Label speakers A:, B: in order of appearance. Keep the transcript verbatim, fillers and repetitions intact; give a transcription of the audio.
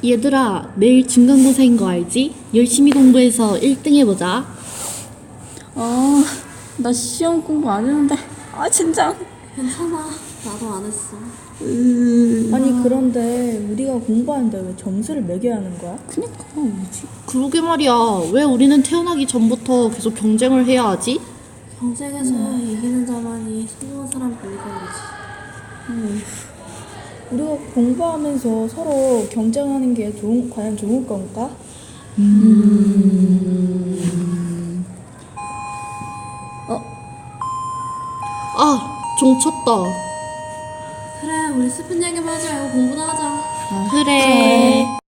A: 얘들아, 내일 중간고사인 거 알지? 열심히 공부해서 일 등 해보자.
B: 아, 나 시험 공부 안 했는데. 아, 진짜.
C: 괜찮아. 나도 안 했어.
B: 으...
D: 아니 그런데 우리가 공부하는데 왜 점수를 매겨야 하는 거야?
B: 그니까 뭐지?
A: 그러게 말이야. 왜 우리는 태어나기 전부터 계속 경쟁을 해야 하지?
C: 경쟁에서 이기는 자만이 성공한 사람뿐이니까 그러지.
D: 우리가 공부하면서 서로 경쟁하는 게 좋은, 과연 좋은 건가?
A: 아, 종 쳤다.
C: 그래, 우리 슬픈 얘기만 하지 말고 공부나 하자.
A: 그래.